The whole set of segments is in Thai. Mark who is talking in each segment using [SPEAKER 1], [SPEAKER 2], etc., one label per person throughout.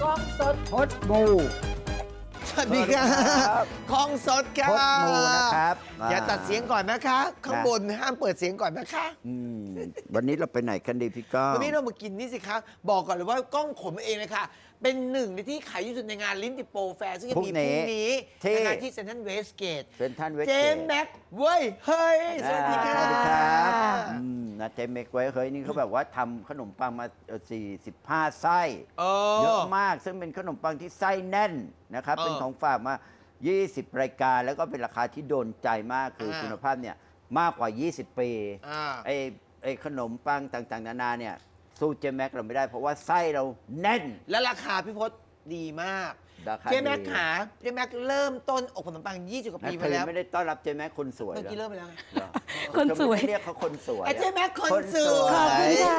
[SPEAKER 1] กล้องสด
[SPEAKER 2] พดมู
[SPEAKER 1] สวัสดีครับกล้องสดครั
[SPEAKER 2] พ
[SPEAKER 1] บ
[SPEAKER 2] ดมูนะครับ
[SPEAKER 1] อย่าตัดเสียงก่อนนะคะ ข้างบนห้ามเปิดเสียงก่อนนะคะ
[SPEAKER 2] วันนี้เราไปไหนกันดีพี่ก้อง
[SPEAKER 1] วันนี้เรามากินนี่สิครับบอกก่อนเลยว่ากล้องขนมาเองเลยค่ะเป็นหนึ่งในที่ขายที่สุดในงานลิ้นติโปรแฟร์ซึ่งจะมีพรุ่งนี้ในงานที่เซ็นทรัลเวสเกต
[SPEAKER 2] เซ็นทรัลเวส
[SPEAKER 1] เจ
[SPEAKER 2] เก
[SPEAKER 1] ม
[SPEAKER 2] ต
[SPEAKER 1] แม็กเว้ยเฮ้ยสวัสดีครับ
[SPEAKER 2] สวัสดีครับนะเจมเมกไว้เฮ้ยนี่เขาแบบว่าทำขนมปังมา45 ไส้เยอะมากซึ่งเป็นขนมปังที่ไส้แน่นนะครับเป็นของฝากมา 20 รายการแล้วก็เป็นราคาที่โดนใจมากคือคุณภาพเนี่ยมากกว่า 20 ปีไอ้ขนมปังต่างๆนานาเนี่ยสู้เจมแม็กเราไม่ได้เพราะว่าไส้เราแน่น
[SPEAKER 1] และราคาพี่พศดีมาก
[SPEAKER 2] ราคา
[SPEAKER 1] เจมแม็ก
[SPEAKER 2] ดี
[SPEAKER 1] ขาเจมแม็กเริ่มต้นอบขนมปัง20กว่า
[SPEAKER 2] นะ
[SPEAKER 1] ปี
[SPEAKER 2] เธ
[SPEAKER 1] มา
[SPEAKER 2] อ
[SPEAKER 1] แล้ว
[SPEAKER 2] ไม่ได้ต้อนรับเจมแม็กคนสวย
[SPEAKER 1] เมื่อกี้
[SPEAKER 2] เหร
[SPEAKER 1] เริ่
[SPEAKER 2] อ
[SPEAKER 1] มไปแล้วไง
[SPEAKER 2] เหรอ
[SPEAKER 3] คนสวย
[SPEAKER 2] เธอไม่ได้เรียกเขาคนสวย
[SPEAKER 1] ไอ้เจมแม็กคนสวย
[SPEAKER 3] ขอบคุณค่ะ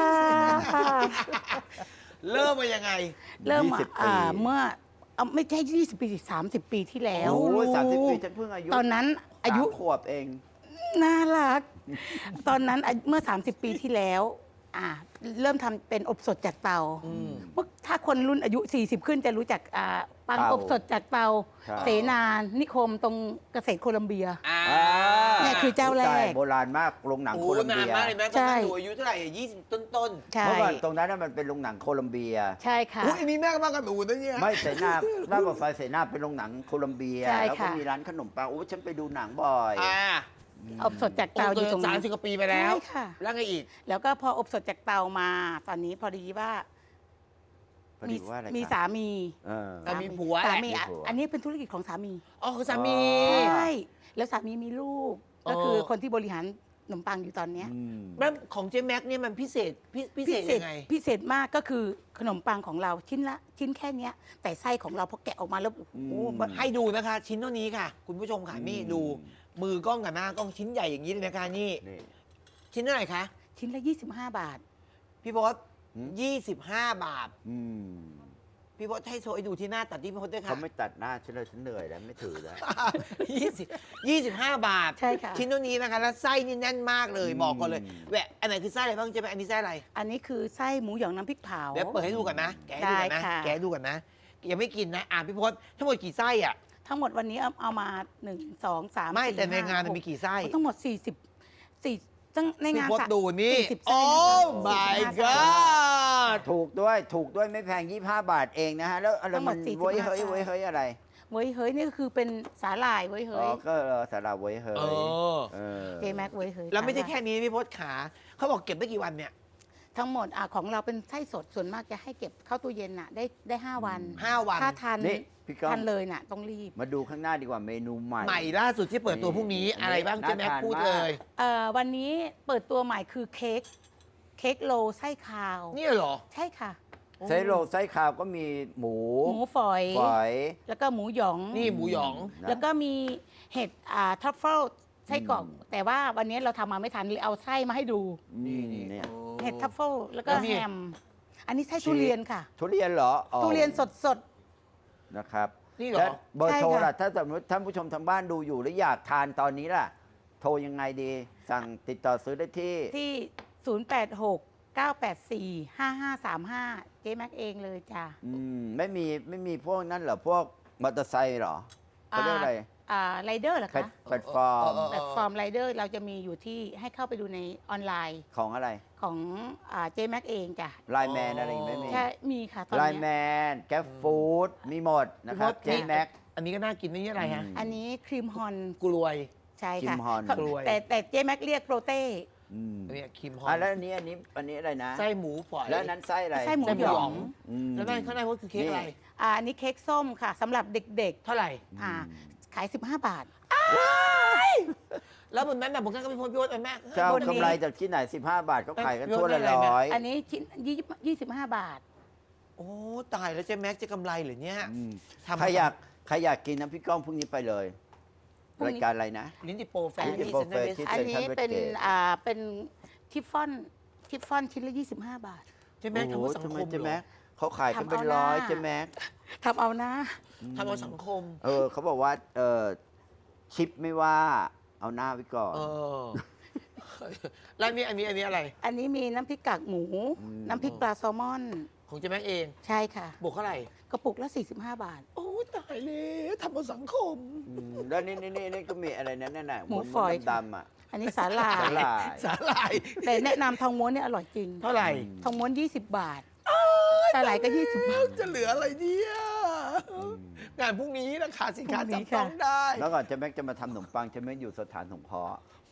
[SPEAKER 1] เริ่มมายังไง
[SPEAKER 3] เริ่ม
[SPEAKER 2] 20 ปี
[SPEAKER 3] เมื่อไม่ใช่ 20 ปี30 ปีที่แล้ว
[SPEAKER 2] โอ้ย30 ปีฉันเพิ่งอายุ
[SPEAKER 3] ตอนนั้นอายุ
[SPEAKER 2] 3 ขวบเอง
[SPEAKER 3] น่ารัก ตอนนั้นเมื่อ 30 ปีที่แล้วเริ่มทำเป็นอบสดจากเตาเมื่อถ้าคนรุ่นอายุ 40 ขึ้นจะรู้จักปัง
[SPEAKER 2] เตา
[SPEAKER 3] อบสดจากเตา
[SPEAKER 2] ใช่
[SPEAKER 3] เสนานิคมตรงเกษตรโคลัมเบีย เนี่ยคือเจ้าแรก
[SPEAKER 2] ตยโบราณมากโรงหนัง
[SPEAKER 1] โอ้
[SPEAKER 2] โคลัม
[SPEAKER 1] นา
[SPEAKER 2] เบี
[SPEAKER 1] น
[SPEAKER 2] ย
[SPEAKER 1] มากเลยแม่ตอน
[SPEAKER 3] ใช่
[SPEAKER 1] นั้นหนูอายุเท่าไหร่20 ต้น
[SPEAKER 3] ใช่
[SPEAKER 2] เมื่อก่อนตรงนั้นน่ะมันเป็นโรงหนังโคลัมเบีย
[SPEAKER 3] ใช่ค่ะ
[SPEAKER 1] อุ้ยมีแม่ก็มากันหนูนะเนี่ย
[SPEAKER 2] ไม่เสนาหน้าปากซอยเสนาเป็นโรงหนังโคลัมเบีย
[SPEAKER 3] ใช่
[SPEAKER 2] แล้วก็
[SPEAKER 3] ค่ะ
[SPEAKER 2] มีร้านขนมปังโอ้ฉันไปดูหนังบ่อย
[SPEAKER 3] อบสดจากเตาอยู่ตรงนั้น
[SPEAKER 1] 30กว่าปีไปแล้ว
[SPEAKER 3] ใช่ค่ะ
[SPEAKER 1] แล้วไงอีก
[SPEAKER 3] แล้วก็พออบสดจากเตามา ตอนนี้พอดีว่า
[SPEAKER 2] พอดีว่าอะไร
[SPEAKER 3] มี
[SPEAKER 2] ครับ
[SPEAKER 3] สามี
[SPEAKER 2] เออ
[SPEAKER 1] สามีผัว
[SPEAKER 3] สามี
[SPEAKER 2] แหละมีผัว
[SPEAKER 3] อันนี้เป็นธุรกิจของสามี
[SPEAKER 1] อ๋อคือสามี
[SPEAKER 3] ใช่แล้วสามีมีลูก
[SPEAKER 1] อ๋อ
[SPEAKER 3] ก็คือคนที่บริหารขนมปังอยู่ตอนเนี้ย
[SPEAKER 2] อืม
[SPEAKER 1] แล้วของเจ๊แม็กเนี่ยมันพิเศษพิเศษยังไง
[SPEAKER 3] พิเศษมากก็คือขนมปังของเราชิ้นแค่เนี้ย แต่ไส้ของเราพอแกะออกมาแล้วโอ้โห
[SPEAKER 1] ให้ดูนะคะ ชิ้นเท่านี้ค่ะ คุณผู้ชมค่ะนี่ดูมือกล้องกับหน้ากล้องชิ้นใหญ่อย่างนี้เลยนะคะนี่
[SPEAKER 2] นี่
[SPEAKER 1] ชิ้นเท่าไหร่คะ
[SPEAKER 3] ชิ้นละ 25 บาท
[SPEAKER 1] พี่พศ
[SPEAKER 2] หืม
[SPEAKER 1] 25 บาท
[SPEAKER 2] อืม
[SPEAKER 1] พี่พศให้โชว์ให้ดูที่หน้าตัดที่พี่พศด้วยค่ะ
[SPEAKER 2] เขาไม่ตัดหน้าฉันเลยฉันเหนื่อยแล้วไม่ถือแล้ว
[SPEAKER 1] 25 บาท
[SPEAKER 3] ใช่ค่ะ
[SPEAKER 1] ชิ้นเท่านี้นะคะแล้วไส้นี่แน่นมากเลย
[SPEAKER 2] อืม
[SPEAKER 1] บอกก่อนเลยแหวะอันไหนคือไส้อะไรบ้างเจ๊แม็กอันนี้ไส้อะไร
[SPEAKER 3] อันนี้คือไส้หมูหยองน้ำพริกเผา
[SPEAKER 1] เดี๋ยวเปิดให้ดูก่อนนะแกะให้ดูก่อนนะ
[SPEAKER 3] ได้ค่ะ
[SPEAKER 1] แกะให้ดูก่อนนะยังไม่กินนะพี่พศทั้งหมดกี่ไส้อ่ะ
[SPEAKER 3] ทั้งหมดวันนี้เอามา 1 2 3
[SPEAKER 1] ไม่แต่ใน
[SPEAKER 3] 4
[SPEAKER 1] งาน
[SPEAKER 3] 5
[SPEAKER 1] มีกี่ไส้
[SPEAKER 3] ทั้งหมดตั้งใน
[SPEAKER 1] พี่
[SPEAKER 3] งาน
[SPEAKER 1] พศดูนี่
[SPEAKER 3] 40
[SPEAKER 1] โอ้
[SPEAKER 3] ไส้
[SPEAKER 1] my
[SPEAKER 3] นะคะ
[SPEAKER 1] god
[SPEAKER 2] ถูกด้วยไม่แพง 25 บาทเองนะฮะ แล้วอะไร
[SPEAKER 3] ทั้งหม
[SPEAKER 2] มั
[SPEAKER 3] ด
[SPEAKER 2] น
[SPEAKER 3] 45
[SPEAKER 2] ไว้เฮ้ย
[SPEAKER 3] ไส้
[SPEAKER 2] ไว้เฮ้ยอะไร
[SPEAKER 3] เว้ยเฮ้ยนี่ก็คือเป็นสาหร่ายเว้ย
[SPEAKER 2] อ๋
[SPEAKER 3] เฮ้
[SPEAKER 2] อย ก็สาราไว้เฮ้ย
[SPEAKER 1] เออ
[SPEAKER 2] เออ
[SPEAKER 3] เจแม็กเว้ยเฮ้ย
[SPEAKER 1] แล้วไม่ใช่
[SPEAKER 3] สาหร่าย
[SPEAKER 1] แค่นี้พี่พศขาเขาบอกเก็บได้กี่วันเนี่ย
[SPEAKER 3] ทั้งหมดของเราเป็นไส้สดส่วนมากจะให้เก็บเข้าตู้เย็นน่ะได้5 วัน
[SPEAKER 1] 5 วัน
[SPEAKER 3] ถ้าทัน
[SPEAKER 2] นี่พี่ก้อง
[SPEAKER 3] ทันเลยน่ะต้องรีบ
[SPEAKER 2] มาดูข้างหน้าดีกว่าเมนูใหม่
[SPEAKER 1] ใหม่ล่าสุดที่เปิดตัวพรุ่งนี้
[SPEAKER 2] นี่
[SPEAKER 1] อะไรบ้าง
[SPEAKER 2] น่า
[SPEAKER 1] เจ๊แม็ก
[SPEAKER 2] ทาน
[SPEAKER 1] พูด
[SPEAKER 2] มาก
[SPEAKER 1] เลย
[SPEAKER 3] วันนี้เปิดตัวใหม่คือเค้กโลไส้คาว
[SPEAKER 1] นี่เหรอ
[SPEAKER 3] ใช่ค่ะ
[SPEAKER 2] ไส้โรลไส้ขาวก็มีหมู
[SPEAKER 3] หมูฝอย
[SPEAKER 2] ฝอย
[SPEAKER 3] แล้วก็หมูหยอง
[SPEAKER 1] นี่หมูหยอง
[SPEAKER 2] นะ
[SPEAKER 3] แล้วก็มีเห็ดทัฟเฟิลไส้กรอก แต่ว่าวันนี้เราทำมาไม่ทันเลยเอาไส้มาให้ดู
[SPEAKER 2] นี่เนี่ย
[SPEAKER 3] เห็ดทัฟเฟิลแล้วก็
[SPEAKER 1] แล้วนี่
[SPEAKER 3] แฮมอันนี้ไส้ทุเรียนค่ะ
[SPEAKER 2] ทุเรียนเหรออ๋อ
[SPEAKER 3] ทุเรียนสด
[SPEAKER 2] นะครับ
[SPEAKER 1] นี่เหรอ
[SPEAKER 2] แล้วเบอร์โทร
[SPEAKER 3] ใช่ค่ะ
[SPEAKER 2] ล่ะถ้าสมมติท่านผู้ชมทางบ้านดูอยู่แล้วอยากทานตอนนี้ล่ะ โทรยังไงดี สั่งติดต่อซื้อได้ที่
[SPEAKER 3] ๆที่ 086 984 5535 เจ๊แม็กเองเลยจ้ะ
[SPEAKER 2] ไม่มีพวกนั้นเหรอ พวกมอเตอร์ไซค์เหรอเขาเรียกอะไร
[SPEAKER 3] ไรเดอร์เหรอ
[SPEAKER 2] แพล
[SPEAKER 3] คะ
[SPEAKER 2] ตแพลตฟอร์ม
[SPEAKER 3] แพลตฟอร์มไรเดอร์เราจะมีอยู่ที่ให้เข้าไปดูในออนไลน์
[SPEAKER 2] ของอะไร
[SPEAKER 3] ของเจ๊แม็กเองจ้ะ
[SPEAKER 2] ไลน์แมนอะไรอย่างงี้ไม่มี
[SPEAKER 3] ใช่มีค่ะตอน
[SPEAKER 2] ไลน์
[SPEAKER 3] เนี้ย
[SPEAKER 2] แมนแกร็บฟู้ดมีหมดนะครับ
[SPEAKER 1] พี่
[SPEAKER 2] เจ
[SPEAKER 1] พศ
[SPEAKER 2] แม็ก
[SPEAKER 1] อันนี้ก็น่ากินนี่อะไรฮะ
[SPEAKER 2] อืม
[SPEAKER 3] อันนี้ครีมฮอน
[SPEAKER 1] กลวย
[SPEAKER 3] ใช่ค่ะ
[SPEAKER 2] ครีมฮอน
[SPEAKER 3] เขา
[SPEAKER 1] กล้วย
[SPEAKER 3] แต่เจ๊แม็กเรียกโปรเต้
[SPEAKER 1] อันนี้ครีมฮอ
[SPEAKER 2] อ่ะ
[SPEAKER 1] น
[SPEAKER 2] แล้วอันนี้อะไรนะ
[SPEAKER 1] ไส้หมูฝอย
[SPEAKER 2] แล้วอันนั้นไส้อะไร
[SPEAKER 3] ไส้หมู
[SPEAKER 1] ไส้หมู
[SPEAKER 3] หย
[SPEAKER 1] หย
[SPEAKER 3] อ
[SPEAKER 1] อง ง
[SPEAKER 2] อืม
[SPEAKER 1] แล้วนั่นข้างในว่าคือเค้กอะไร
[SPEAKER 3] อันนี้เค้กส้มค่ะสำหรับเด็ก
[SPEAKER 1] เท่าไหร่
[SPEAKER 3] ๆขาย 15 บาท
[SPEAKER 1] แล้วบนนั้นน่ะผมก็ไม่พ้นพี่พศแม่
[SPEAKER 2] จะเอา
[SPEAKER 3] บนนี้
[SPEAKER 2] กำไรจากที่ไหน 15 บาทก็ขายกัน
[SPEAKER 1] เอ้ย
[SPEAKER 2] ทั่วละ
[SPEAKER 1] เรื่องอะไร
[SPEAKER 2] ร้อย
[SPEAKER 3] อันนี้ชิ้น25 บาท
[SPEAKER 1] โอ้ตายแล้วเจ๊แม็กจะกำไรเหรือเนี่ย
[SPEAKER 2] อืม
[SPEAKER 1] ทำ
[SPEAKER 2] ใครอยากกินน้ำพริกก้องพรุ่งนี้ไปเลย
[SPEAKER 3] พรุ่งนี้
[SPEAKER 2] รายการอะไรนะ
[SPEAKER 1] ลิ้นจิโปรแฟร์
[SPEAKER 2] ลิ้นจิ
[SPEAKER 1] ที่
[SPEAKER 2] โปร
[SPEAKER 1] เซ็นทรัลเวส
[SPEAKER 2] ที่
[SPEAKER 3] อันนี้
[SPEAKER 2] Central
[SPEAKER 3] เป็น
[SPEAKER 2] Westgate
[SPEAKER 3] เป็นทิฟฟอนชิ้นละ 25 บาท
[SPEAKER 1] เจ๊แม็กทำ
[SPEAKER 2] โอ้โห
[SPEAKER 1] เอาสัง
[SPEAKER 2] ทำ
[SPEAKER 1] ค
[SPEAKER 2] ไม
[SPEAKER 1] ม
[SPEAKER 2] เจ๊
[SPEAKER 1] เหร
[SPEAKER 2] แม็
[SPEAKER 1] อก
[SPEAKER 2] เขาขายกันเป็น
[SPEAKER 3] ทำเอาหน้า
[SPEAKER 2] ร้อยเจ๊แม็ก
[SPEAKER 3] ทำเอานะ
[SPEAKER 1] ทำเอาสังคม
[SPEAKER 2] เขาบอกว่าชิปไม่ว่าเอาหน้าไว้ก่อน
[SPEAKER 1] เออ แล้วอันนี้อะไร
[SPEAKER 3] อันนี้มีน้ำพริกกากหมู
[SPEAKER 2] อืม
[SPEAKER 3] น้ำพริกปลาแซลมอน
[SPEAKER 1] ของเจ๊แม็กเอง
[SPEAKER 3] ใช่ค่ะ
[SPEAKER 1] บวกเท่าไหร่
[SPEAKER 3] กระปุกละ 45 บาท
[SPEAKER 1] โอ้ตายเลยทำเอาสังคม
[SPEAKER 2] แล้วนี่ก็มีอะไรนั่นน่ะ
[SPEAKER 3] หมูฝอย
[SPEAKER 2] ดำๆอ่ะ
[SPEAKER 3] อันนี้สาหร่า
[SPEAKER 2] สาย หร่าย
[SPEAKER 1] สาหร่าย
[SPEAKER 3] แต่แนะนำทองม้วนเนี่ยอร่อยจริง
[SPEAKER 1] เท่าไหร่
[SPEAKER 3] ทองม้วน 20 บาทสาหร่ายก็ 20 บาท
[SPEAKER 1] จะเหลืออะไรเนี่ยงานพรุ่งนี้ราคาสินค้า
[SPEAKER 3] พรุ่งนี้
[SPEAKER 1] จับต้อง
[SPEAKER 3] ค่ะ
[SPEAKER 1] ได้
[SPEAKER 2] แล้วก่อนเจะแม็กจะมาทำขนมปังเจะแม็กอยู่สถานสงเคราะห์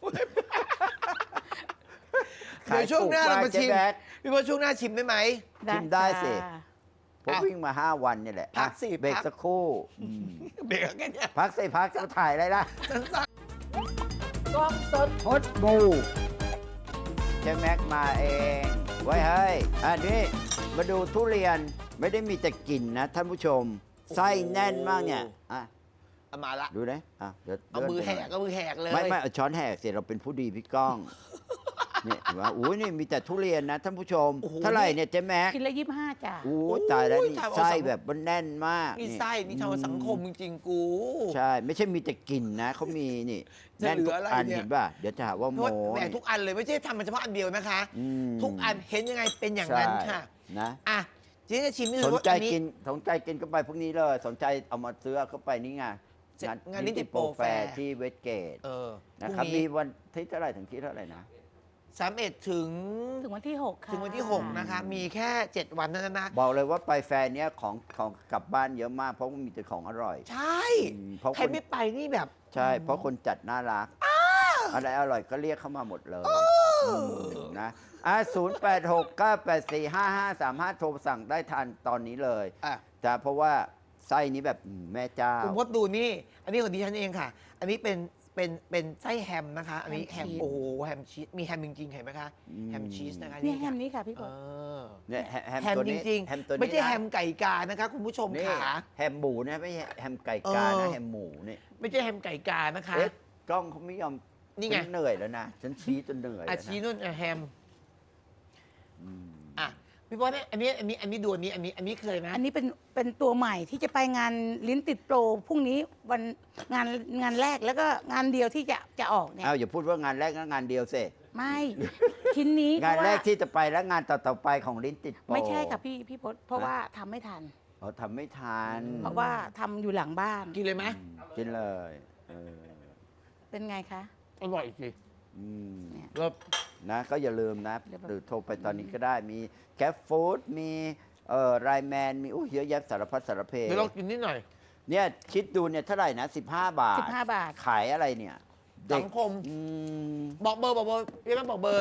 [SPEAKER 1] เดี๋ยวช่วงหน้าเรามาชิม
[SPEAKER 2] ขายถูกมากเจ๊แม็ก
[SPEAKER 1] พี่ว่าช่วงหน้าชิมได้ไหม
[SPEAKER 2] ชิมได้สิ
[SPEAKER 3] จ้า
[SPEAKER 2] ผมวิ่งมา 5 วันเนี่ยแหละ
[SPEAKER 1] พักสิ
[SPEAKER 2] เบรก
[SPEAKER 1] พัก
[SPEAKER 2] สักครู่
[SPEAKER 1] เบรกกันเนี่ย
[SPEAKER 2] พักสิพักจะถ่ายอะไรล่ะ
[SPEAKER 1] สั้น
[SPEAKER 2] กล้องสดพดบูเจ๊แม็กมาเอง ไว้ให้อันนี้มาดูทุเรียนไม่ได้มีแต่กลิ่นนะท่านผู้ชม ไส้แน่นมากเนี่ยอ่ะ
[SPEAKER 1] ๆเอามาละ
[SPEAKER 2] ดูนะอ่ะเดี๋ยว
[SPEAKER 1] เอามือแหก
[SPEAKER 2] เดิน
[SPEAKER 1] เอามือแหกเลย
[SPEAKER 2] ไม่เอาช้อนแหกเสร็จเราเป็นผู้ดีพี่ก้อง เนี่ยเห็นว่าอุ้ยนี่มีแต่ทุเรียนนะท่านผู้ชม
[SPEAKER 1] โอ้โห
[SPEAKER 2] เท่าไหร่เนี่ยเจ๊แม็ก
[SPEAKER 3] กินละ 25 จ้า
[SPEAKER 2] โอ้ยตายแล้วนี่
[SPEAKER 1] ทำเอา
[SPEAKER 2] ไส้
[SPEAKER 1] สัง
[SPEAKER 2] แบบมันแน่นมาก
[SPEAKER 1] นี่ไส้นี่ทำเอาสังคมจริงๆกู
[SPEAKER 2] ใช่ ไม่ใช่มีแต่กลิ่นนะเขามีนี่
[SPEAKER 1] จะ
[SPEAKER 2] แน่น
[SPEAKER 1] เหลื
[SPEAKER 2] ทุ
[SPEAKER 1] อก อะไร
[SPEAKER 2] อัน
[SPEAKER 1] เนี่ย
[SPEAKER 2] เห็นป่ะเดี๋ยวจะหาว่า
[SPEAKER 1] เพ
[SPEAKER 2] โม
[SPEAKER 1] ราะว่าแหม
[SPEAKER 2] นี่
[SPEAKER 1] ทุกอันเลยไม่ใช่ทำมันเฉพาะอันเดียวนะคะ
[SPEAKER 2] อืม
[SPEAKER 1] ทุกอันเห็นยังไงเป็นอย่างนั้นค่ะ
[SPEAKER 2] ใช่นะ
[SPEAKER 1] อ่ะเจ๊จะชิมให้
[SPEAKER 2] ส
[SPEAKER 1] ดู
[SPEAKER 2] น
[SPEAKER 1] ว่า
[SPEAKER 2] ใจ
[SPEAKER 1] อันนี้
[SPEAKER 2] กินสนใจกินก็ไปพวกนี้เลย สนใจเอามาซื้อเข้าไปนี่ไง
[SPEAKER 1] งานนิติโปรแฟร์
[SPEAKER 2] ที่เวสเกต
[SPEAKER 1] เออ
[SPEAKER 2] นะครับมีวันที่เท่าไหร่ถึงที่เท่าไหร่นะ
[SPEAKER 1] 31ถึง
[SPEAKER 3] ถึงวันที่ 6 ค่ะ
[SPEAKER 1] ถึงวันที่ 6 นะคะ มีแค่ 7 วันเท่านั้นนะ
[SPEAKER 2] บอกเลยว่าไปแฟร์เนี้ยของกลับบ้านเยอะมากเพราะว่ามีแต่ของอร่อย
[SPEAKER 1] ใช่
[SPEAKER 2] เพราะ
[SPEAKER 1] ใครไม่ไปนี่แบบ
[SPEAKER 2] ใช่ เพราะคนจัดน่ารักอะไรอร่อยก็เรียกเข้ามาหมดเลยนะ0869845535 โทรสั่งได้ทันตอนนี้เลย
[SPEAKER 1] อ่ะ
[SPEAKER 2] จ้ะเพราะว่าไส้นี้แบบแม่เจ้า
[SPEAKER 1] คุณพดดูนี่ อันนี้ของดิฉันเองค่ะ อันนี้เป็นไส้แฮมนะคะ อันนี้แฮมโอ้โหแฮมชีสมีแฮมจริงๆเห็นไหมคะ แฮมชีสนะคะ
[SPEAKER 3] นี่แฮ
[SPEAKER 1] ค่ะ
[SPEAKER 3] มนี้ค่ะพี่พ
[SPEAKER 1] เอ
[SPEAKER 3] ศ
[SPEAKER 1] อ
[SPEAKER 2] เนี่ยแฮม
[SPEAKER 1] แฮม
[SPEAKER 2] ตัว
[SPEAKER 1] จ
[SPEAKER 2] นี้
[SPEAKER 1] ริง
[SPEAKER 2] แฮมตัวนี้
[SPEAKER 1] ไม่ใช่
[SPEAKER 2] นะ
[SPEAKER 1] แฮมไก่กานะคะ คุณผู้ชม
[SPEAKER 2] นี่
[SPEAKER 1] ขา
[SPEAKER 2] แฮมหมูนะไม่ใช่แฮมไก่กา
[SPEAKER 1] เอ
[SPEAKER 2] นะ
[SPEAKER 1] อ
[SPEAKER 2] แฮมหมูนี่
[SPEAKER 1] ไม่ใช่แฮมไก่กานะคะ
[SPEAKER 2] เอ๊ะกล้องเขาไม่ยอม
[SPEAKER 1] นี่ไง
[SPEAKER 2] ฉัเหนื่อยแล้วนะฉันชี้จนเหนื่อย
[SPEAKER 1] อา
[SPEAKER 2] แล้ว
[SPEAKER 1] ชี
[SPEAKER 2] นะ
[SPEAKER 1] นุ่นแฮม
[SPEAKER 2] อืม
[SPEAKER 1] อ่ะพี่พศเนี่ยอันนี้ดูอันนี้เคยไหม
[SPEAKER 3] อันนี้เป็นตัวใหม่ที่จะไปงานลิ้นติดโปรพรุ่งนี้วันงานแรกแล้วก็งานเดียวที่จะออกเนี่ย
[SPEAKER 2] เอาอย่าพูดว่างานแรกนะงานเดียวสิ
[SPEAKER 3] ไม่ ชิ้นนี้
[SPEAKER 2] งานแรก
[SPEAKER 3] เพะว่
[SPEAKER 2] ที่จะไปแล้วงานต่อๆไปของลิ้นติดโปร
[SPEAKER 3] ไม่ใช่ค่ะพี่พศเพราะว่าทำไม่ทัน
[SPEAKER 2] เขาทำไม่ทัน
[SPEAKER 3] เพราะว่าทำอยู่หลังบ้าน
[SPEAKER 1] กินเลยไหม
[SPEAKER 2] กินเลยเออ
[SPEAKER 3] เป็นไงคะ
[SPEAKER 1] อร่อยสิ
[SPEAKER 2] อืม
[SPEAKER 3] เนี่ย
[SPEAKER 1] แล้ว
[SPEAKER 2] นะก็อย่าลืมนะ
[SPEAKER 3] เดี๋ยวแบบ
[SPEAKER 2] หรือโทรไปตอนนี้ก็ได้มีแกร็บฟู้ดมีไรแมนมีเยอะแยะสารพัดสารเพ
[SPEAKER 1] เดี๋ยวเรากินนิดหน่อย
[SPEAKER 2] เนี่ยคิดดูเนี่ยเท่าไหร่นะ 15 บาท
[SPEAKER 3] 15 บาท
[SPEAKER 2] ขายอะไรเนี่ยเด็ก
[SPEAKER 1] สังคม
[SPEAKER 2] อืม
[SPEAKER 1] บอกเบอร์พี่แม่บอกเบอร์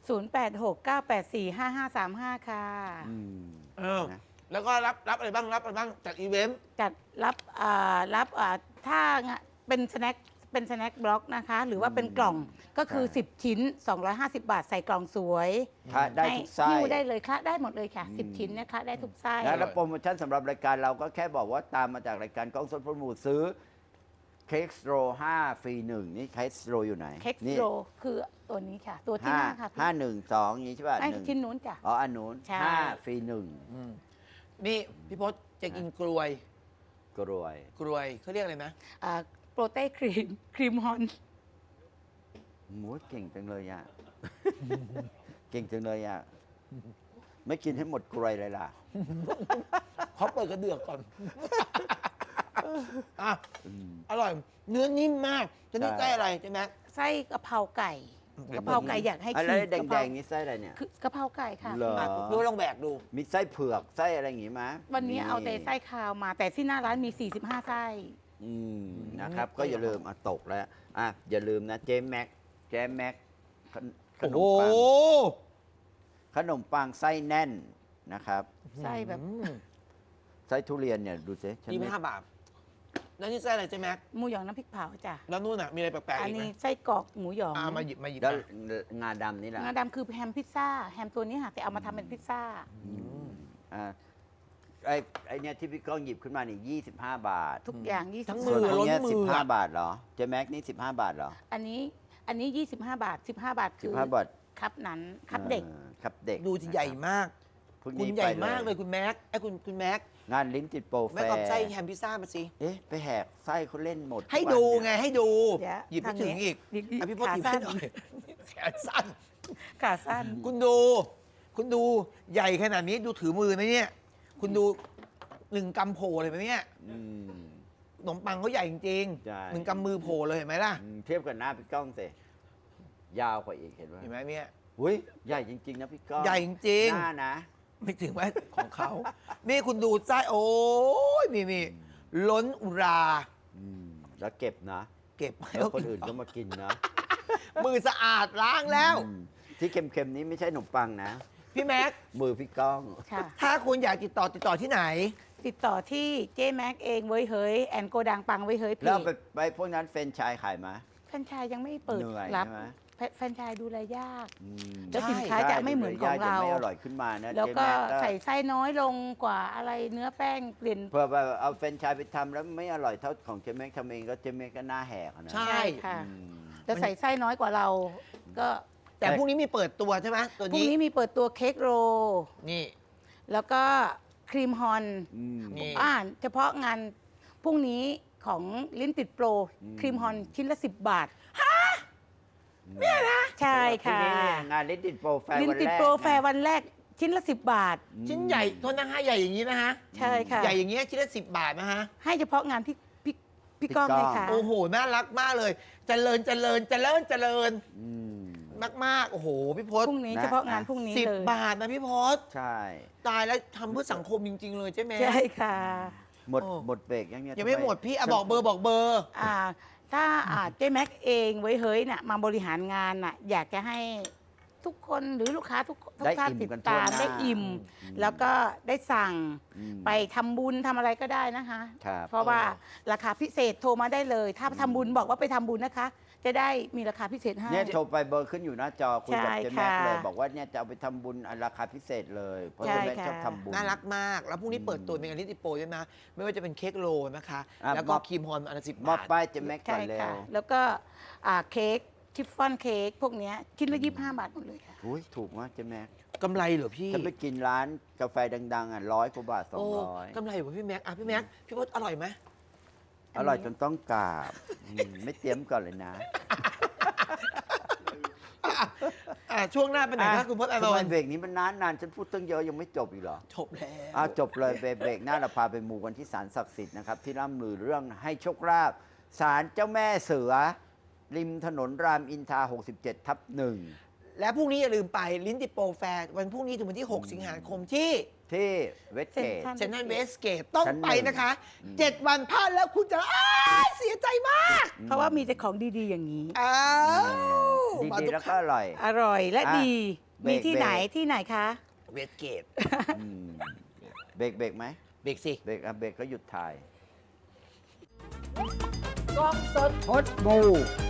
[SPEAKER 3] 0869845535 ค่ะ
[SPEAKER 2] อืม
[SPEAKER 1] เออ
[SPEAKER 2] นะ
[SPEAKER 1] แล้วก็รับอะไรบ้างจากอีเวนต์
[SPEAKER 3] จัดรับถ้าเป็นสแน็คบล็อกนะคะ หรือว่าเป็นกล่องก็คือ 10 ชิ้น 250 บาทใส่กล่องสวย
[SPEAKER 2] ทานได้ทุกไส้
[SPEAKER 3] หิ้วได้เลยคละได้หมดเลยค่ะ 10 ชิ้นเนะคะได้ทุกไส้
[SPEAKER 2] นะแล้วโปรโมชั่นสำหรับรายการเราก็แค่บอกว่าตามมาจากรายการกล้องสดพลหมูซื้อเค้กโร5 ฟรี 1 นี่เค้กโรอยู่ไหน
[SPEAKER 3] เค้ก
[SPEAKER 2] นี่
[SPEAKER 3] โรคือตัวนี้ค่ะ ตัวที่หน้าค่ะพี่
[SPEAKER 2] 5 1 2อย่างนี้ใช่ป่ะ
[SPEAKER 3] ไม่
[SPEAKER 2] หนึ่ง
[SPEAKER 3] ชิ้นนู้นจ้ะ
[SPEAKER 2] อ๋ออันนู้น
[SPEAKER 3] ใช่
[SPEAKER 2] 5 ฟรี
[SPEAKER 1] นี่พี่พศจะกินกลวย
[SPEAKER 2] 1กรวย
[SPEAKER 1] เขาเรียกอะไรนะ
[SPEAKER 3] โปรเต้ครีมฮอน
[SPEAKER 2] หมูเก่งจังเลยอ่ะ เก่งจังเลยอ่ะ ไม่กินให้หมดกรวยเลยล่ะ
[SPEAKER 1] เขาเปิดกระเดือกก่อน อ่ะ
[SPEAKER 2] อืม
[SPEAKER 1] อร่อย เนื้อนิ่มมาก จะนี่
[SPEAKER 2] ใช่
[SPEAKER 1] ใกล้อะไรใช่ไหม
[SPEAKER 3] ไส้กะเพราไก่กะเพราไก่อยากให้
[SPEAKER 2] อะไร
[SPEAKER 3] ชิม
[SPEAKER 2] แด
[SPEAKER 3] กะเพราง
[SPEAKER 2] ๆนี่ไส้อะไรเนี่ย
[SPEAKER 3] คือกะเพราไก่ค่ะ
[SPEAKER 2] เหรอ
[SPEAKER 1] อ่ะดูลองแบกดู
[SPEAKER 2] มีไส้เผือกไส้อะไรอย่างงี้มั้ย
[SPEAKER 3] วันนี้เอาแต่ไส้คาวมา แต่ที่หน้าร้านมี 45 ไส้
[SPEAKER 2] อืมนะครับ ก็อย่าลืมตกแล้วอ่ะอย่าลืมนะเจ๊แม็กขนมปังขนมปังไส้แน่นนะครับ
[SPEAKER 3] ไส้แบบ
[SPEAKER 2] ไส้ทุเรียนเนี่ยดูสิฉัน
[SPEAKER 1] ยี่
[SPEAKER 2] ไม่
[SPEAKER 1] ห้าบาท แล้วนี่ไส้อะไรใช่ไหม
[SPEAKER 3] หมูหยองน้ำพริกเผาจ้ะ
[SPEAKER 1] แล้วนู่นอ่ะ มีอะไรแปลกๆ
[SPEAKER 3] อัน
[SPEAKER 1] อีกไหม
[SPEAKER 3] นี้ไส้กรอกหมูหยอง
[SPEAKER 1] มาหยิบ
[SPEAKER 2] แล้ว
[SPEAKER 1] มา
[SPEAKER 2] งาดำนี่แหละ
[SPEAKER 3] งาดำคือแฮมพิซซ่าแฮมตัวนี้ค่ะแต่เอามาทำเป็นพิซซ่า
[SPEAKER 2] อ่าไอเนี่ยที่พี่ก้องหยิบขึ้นมานี่25 บาท
[SPEAKER 3] ทุกอย่าง
[SPEAKER 1] ทั้ง
[SPEAKER 3] 20
[SPEAKER 1] มื
[SPEAKER 2] ส่วน
[SPEAKER 1] อ
[SPEAKER 2] ของ
[SPEAKER 1] ล้น
[SPEAKER 2] เนี้ย
[SPEAKER 1] มือ
[SPEAKER 2] 15 บาทเหรอเจ๊แม็กนี่15 บาทเหรอ
[SPEAKER 3] อันนี้25 บาท 15 บาทคือ
[SPEAKER 2] 15 บาท
[SPEAKER 3] ครับนั้นครับเด็ก
[SPEAKER 2] ครับเด็ก
[SPEAKER 1] ดูจะใหญ่มาก
[SPEAKER 2] พรุ่ง
[SPEAKER 1] คุณ
[SPEAKER 2] นี้
[SPEAKER 1] ใหญ่
[SPEAKER 2] ไป
[SPEAKER 1] มากเลยคุณแม็กไอ้คุณแม็ก
[SPEAKER 2] งานลิ้นติดโปรแฟ
[SPEAKER 1] แม็กเอา
[SPEAKER 2] ร์
[SPEAKER 1] ไส้แฮมพิซซ่ามาสิ
[SPEAKER 2] เอ๊ะไปแหกไส้เขาเล่นหมด
[SPEAKER 1] ให้
[SPEAKER 2] ทุกวัน
[SPEAKER 1] ดู
[SPEAKER 2] เนี่ย
[SPEAKER 1] ไงให้ดู
[SPEAKER 3] เดี๋ยว
[SPEAKER 1] หยิบไม่
[SPEAKER 3] ทาง
[SPEAKER 1] ถึง
[SPEAKER 3] นี้
[SPEAKER 1] อีก
[SPEAKER 3] หยิบ
[SPEAKER 1] อ่ะพี่พศหยิบ
[SPEAKER 3] ขาสั้
[SPEAKER 1] ให้
[SPEAKER 3] น
[SPEAKER 1] หน่อยแขนสั้น
[SPEAKER 3] ขาสั้น
[SPEAKER 1] คุณดูคุณดูใหญ่ขนาดนี้ดูถือมือนะเนี่ย คุณดู1 กำโผล่เลยไหมเนี่ย
[SPEAKER 2] อืม
[SPEAKER 1] ขนมปังเขาใหญ่จริง
[SPEAKER 2] ใช่
[SPEAKER 1] ๆ1 กำมือโผล่เลยเห็นไหมล่ะ
[SPEAKER 2] เทียบกับหน้าพี่ก้องสิยาวกว่าอีกเห็นไหม
[SPEAKER 1] เห็นไหมเนี่ย
[SPEAKER 2] อุ้ยใหญ่จริงๆนะพี่ก้อง
[SPEAKER 1] ใหญ่จริง
[SPEAKER 2] หน้านะ
[SPEAKER 1] ๆไม่ถึงว่าของเขา นี่คุณดูไส้โอ้ยนี่ล้นอุรา
[SPEAKER 2] อืมแล้วเก็บนะ
[SPEAKER 1] เก็บไว้
[SPEAKER 2] แล้วคนอื่นก็มากินนะ
[SPEAKER 1] มือสะอาดล้างแล้ว
[SPEAKER 2] อืมที่เค็มๆนี้ไม่ใช่ขนมปังนะ
[SPEAKER 1] พี่แม็ก
[SPEAKER 2] มือพี่ก้อง
[SPEAKER 3] ค่ะ
[SPEAKER 1] ถ้าคุณอยากติดต่อที่ไหน
[SPEAKER 3] ติดต่อที่เจ๊แม็กเองเว้ยเฮ้ยแอนโกดังปังเว้ยเฮ้ยเพ
[SPEAKER 2] แล้ว
[SPEAKER 3] จ
[SPEAKER 2] ไปพวกนั้นเฟรนไชส์ขายไหม
[SPEAKER 3] แฟรนไชส์ยังไม่เปิด
[SPEAKER 2] เหนื่อย
[SPEAKER 3] รับ
[SPEAKER 2] ใช่ไหม
[SPEAKER 3] แฟรนไชส์ดูแลยาก
[SPEAKER 2] อืม
[SPEAKER 3] แล้วสินค้าจะไม่เหมือนของเรา
[SPEAKER 2] ใช่ไม่อร่อยขึ้นมานะ
[SPEAKER 3] แล้วก็
[SPEAKER 2] เจ๊ม็
[SPEAKER 3] ใส่ไส้น้อยลงกว่าอะไรเนื้อแป้งเปลี่ยน
[SPEAKER 2] เพื่อแบบเอาเฟรนไชส์ไปทำแล้วไม่อร่อยเท่าของเจเม็กทำเองก็เจเม็กก็หน้าแหกอะนะ
[SPEAKER 1] ใช่
[SPEAKER 3] ใช่ค่ะ
[SPEAKER 2] อืม
[SPEAKER 3] จะใส่ไส้น้อยกว่าเรา ก็
[SPEAKER 1] แต่พรุ่งนี้มีเปิดตัวใช่ไหมตัว
[SPEAKER 3] พรุ่ง
[SPEAKER 1] นี้
[SPEAKER 3] นี้มีเปิดตัวเค้กโรล
[SPEAKER 1] นี่
[SPEAKER 3] แล้วก็ครีมฮอน
[SPEAKER 2] อืม
[SPEAKER 1] นี่
[SPEAKER 3] เฉพาะงานพรุ่งนี้ของลิ้นติดโปร
[SPEAKER 2] อืม
[SPEAKER 3] ครีมฮอนชิ้นละ 10 บาท
[SPEAKER 2] เนี่ยนะ
[SPEAKER 3] ใช่ค่ะ
[SPEAKER 2] งานลิ้นติดโปรแฟร์
[SPEAKER 3] ลิ้น
[SPEAKER 2] วัน
[SPEAKER 3] ติด
[SPEAKER 2] แรก
[SPEAKER 3] โปรแฟร์วันแรกชิ้นละ 10 บาท
[SPEAKER 1] ชิ้นใหญ่โทษนะฮะใหญ่อย่างนี้นะฮะ
[SPEAKER 3] ใช่ค่ะ
[SPEAKER 1] ใหญ่อย่างเงี้ยชิ้นละ10 บาทนะฮะ
[SPEAKER 3] ให้เฉพาะงานพี่ก้องเลยค่ะ
[SPEAKER 1] โอ้โห น่ารักมากเลย เจริญ
[SPEAKER 2] อืม
[SPEAKER 1] มาก ๆ โอ้โห พี่พศ
[SPEAKER 3] พรุ่งนี้
[SPEAKER 2] นะ
[SPEAKER 3] เฉพาะงานพรุ่งนี้
[SPEAKER 1] สิบ
[SPEAKER 3] เลย
[SPEAKER 1] บาทนะพี่พศ
[SPEAKER 2] ใช่
[SPEAKER 1] ตายแล้วทำเพื่อสังคมจริง ๆ เลยใช่ไหม
[SPEAKER 3] ใช่ค่ะ
[SPEAKER 2] หมด
[SPEAKER 1] โอ้
[SPEAKER 2] หมดเบรกยังเนี่ย
[SPEAKER 1] ยังไม่หมดพี่อ่ะบอกเบอร์
[SPEAKER 3] อ่าถ้าเจ๊แม็กเองไว้เฮ้ยน่ะมาบริหารงานน่ะอยากจะให้ทุกคนหรือลูกค้าทุกท่านติดตามได้อิ่ม แล้วก็ได้สั่ง
[SPEAKER 2] อืม
[SPEAKER 3] ไปทำบุญทำอะไรก็ได้นะคะ
[SPEAKER 2] ครับ
[SPEAKER 3] เพราะว่าราคาพิเศษโทรมาได้เลย ถ้าทำบุญบอกว่าไปทำบุญนะคะ จะได้มีราคาพิเศษให้
[SPEAKER 2] เนี่ยโทรไปเบอร์ขึ้นอยู่หน้าจอคุยกับ
[SPEAKER 3] ใช่
[SPEAKER 2] เจแม็ก
[SPEAKER 3] ค่ะ
[SPEAKER 2] เลย บอกว่าเนี่ยจะเอาไปทำบุญอันราคาพิเศษเลยเพราะ
[SPEAKER 3] ใช่
[SPEAKER 2] เจแม็ก
[SPEAKER 3] ค่ะ
[SPEAKER 2] ชอบทำบุญ
[SPEAKER 1] น่ารักมาก แล้วพรุ่งนี้เปิดตัวเป็นงานลิติโปรด้วยนะ ไม่ว่าจะเป็นเค้กโรลนะคะ
[SPEAKER 2] อ่ะ
[SPEAKER 1] แล้วก็
[SPEAKER 2] มอบ
[SPEAKER 1] ครีมฮอนอันละ10
[SPEAKER 2] มอ
[SPEAKER 1] บบา
[SPEAKER 2] บ
[SPEAKER 1] ท
[SPEAKER 2] ป้ายเจแม็กก่อ
[SPEAKER 3] ใช่
[SPEAKER 2] นเร็
[SPEAKER 3] ค่ะ
[SPEAKER 2] ว
[SPEAKER 3] แล้วก็เค้กชิฟฟ่อนเค้กพวกเนี้ยชิ้นละ25 บาทหมดเลยค่ะ
[SPEAKER 2] อุ้ยถูกมากเจแม็ก
[SPEAKER 1] กำไรเหรอพี่
[SPEAKER 2] ถ้าไปกินร้านกาแฟดังๆอ่ะ100 กว่าบาท
[SPEAKER 1] โอ้
[SPEAKER 2] 200
[SPEAKER 1] กำไรเหรอพี่แม็กอ่ะพี่แม็กพี่พศอร่อยไหม
[SPEAKER 2] อร่อยจนต้องกราบไม่เตรียมก่อนเลยนะ
[SPEAKER 1] ช่วงหน้าเป็นไหนครับคุณพศอาน
[SPEAKER 2] ทำไม
[SPEAKER 1] นท์
[SPEAKER 2] เบรกนี้มันนานๆฉันพูดตั้งเยอะยังไม่จบอีกเหรอ
[SPEAKER 1] จบแล้ว
[SPEAKER 2] จบเลยเบรกหน้าเราพาไปมูกันที่ศาลศักดิ์สิทธิ์นะครับ ที่ร่ำลือเรื่องให้โชคลาภศาลเจ้าแม่เสือ ริมถนนรามอินทรา67/1
[SPEAKER 1] และพรุ่งนี้อย่าลืมไปลิ้นติดโปรแฟร์วันพรุ่งนี้ถึงวันที่ 6 สิงหาคมที่
[SPEAKER 2] ที่เวสเกต
[SPEAKER 1] เซนทรัลเวสเกตต้อง
[SPEAKER 2] ชั้นหนึ่ง
[SPEAKER 1] ไปนะคะ
[SPEAKER 2] อืม
[SPEAKER 1] 7 วันพลาดแล้วคุณจะเสียใจมาก
[SPEAKER 3] เพราะว่ามีแต่ของดีๆอย่างนี้
[SPEAKER 1] อ้าว
[SPEAKER 2] ดีๆแล้วก็อร่อย
[SPEAKER 3] อร่อยและ
[SPEAKER 2] อ่ะ
[SPEAKER 3] ดี
[SPEAKER 2] เบรก
[SPEAKER 3] มีที่ไหน
[SPEAKER 2] เบรก
[SPEAKER 3] ที่ไหนคะ
[SPEAKER 1] เวสเกต
[SPEAKER 2] อืมเบรกไหม
[SPEAKER 1] เบรกสิ
[SPEAKER 2] เบรกเบรกก็หยุดถ่าย
[SPEAKER 1] กล้องสด
[SPEAKER 2] พดมู